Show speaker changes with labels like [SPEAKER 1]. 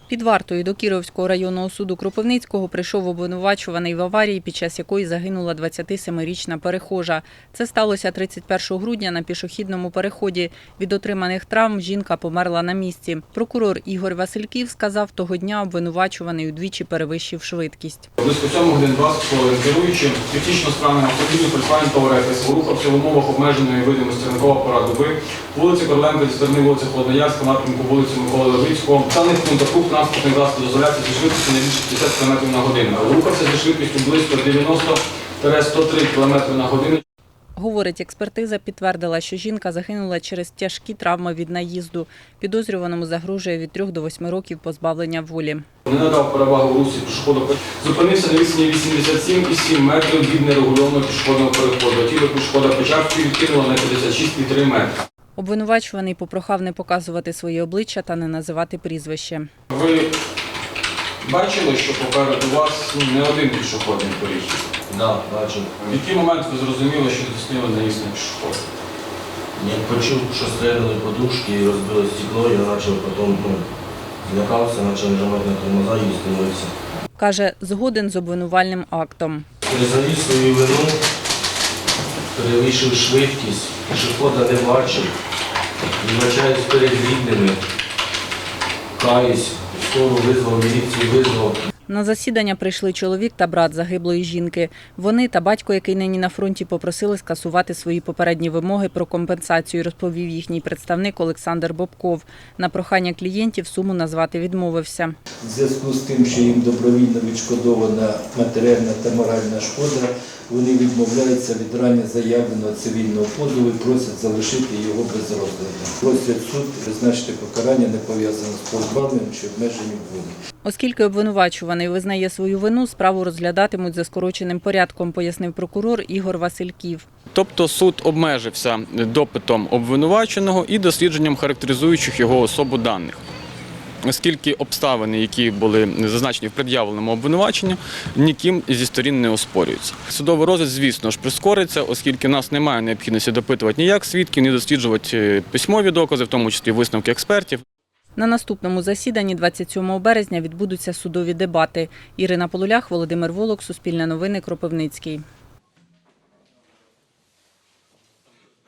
[SPEAKER 1] Під вартою до Кіровського районного суду Кропивницького прийшов обвинувачуваний в аварії, під час якої загинула 27-річна перехожа. Це сталося 31 грудня на пішохідному переході. Від отриманих травм жінка померла на місці. Прокурор Ігор Васильків сказав, того дня обвинувачуваний удвічі перевищив швидкість.
[SPEAKER 2] Близько 7 годин 20 хвилин керуючи технічно справним автомобілем Volkswagen Touareg СВ рухався в умовах обмеженої видимості ранкового пора доби вулиці Короленка зі сторони вулиці Холодноярська, напрямку вулиці Миколи Левицького. В даних пунктах рух транспортних засобів дозволяється зі швидкістю не більше 50 км на годину. Рухався зі швидкістю близько 90-103 км на годину.
[SPEAKER 1] Говорить, експертиза підтвердила, що жінка загинула через тяжкі травми від наїзду. Підозрюваному загрожує від 3 до 8 років позбавлення волі.
[SPEAKER 2] Не надав перевагу в русі пішоходу. Зупинився на відстані 87,7 метрів від нерегульованого пішохідного переходу. Тіло пішохода Печавської відкинуло на 56,3 метри.
[SPEAKER 1] Обвинувачуваний попрохав не показувати своє обличчя та не називати прізвище.
[SPEAKER 2] Ви бачили, що попереду вас не один пішохідний перехід?
[SPEAKER 3] Так, бачив.
[SPEAKER 2] В який момент ви зрозуміли, що здійснили наїзд на пішохід?
[SPEAKER 3] Як почув, що стрельнули подушки і розбили стекло, я почав потім злякався, почав нажимати на тормоза і зупинився.
[SPEAKER 1] Каже, згоден з обвинувальним актом.
[SPEAKER 3] Признаю свою вину, перевищив швидкість, пішохода не бачив, вибачаюсь перед рідними, каюсь, скоро визвав, міліцію визвав.
[SPEAKER 1] На засідання прийшли чоловік та брат загиблої жінки. Вони та батько, який нині на фронті, попросили скасувати свої попередні вимоги про компенсацію, розповів їхній представник Олександр Бобков. На прохання клієнтів суму назвати відмовився.
[SPEAKER 4] В зв'язку з тим, що їм добровільно відшкодована матеріальна та моральна шкода, вони відмовляються від раніше заявленого цивільного позову і просять залишити його без розгляду. Просять суд призначити покарання, не пов'язане з позбавленням чи обмеженням волі.
[SPEAKER 1] Оскільки обвинувачуваний визнає свою вину, справу розглядатимуть за скороченим порядком, пояснив прокурор Ігор Васильків.
[SPEAKER 5] Тобто суд обмежився допитом обвинуваченого і дослідженням характеризуючих його особу даних. Оскільки обставини, які були зазначені в пред'явленому обвинуваченні, ніким зі сторін не оспорюються. Судовий розгляд, звісно ж, прискориться, оскільки в нас немає необхідності допитувати ніяк свідків, ні досліджувати письмові докази, в тому числі висновки експертів.
[SPEAKER 1] На наступному засіданні 27 березня відбудуться судові дебати. Ірина Полулях, Володимир Волок, Суспільне новини, Кропивницький.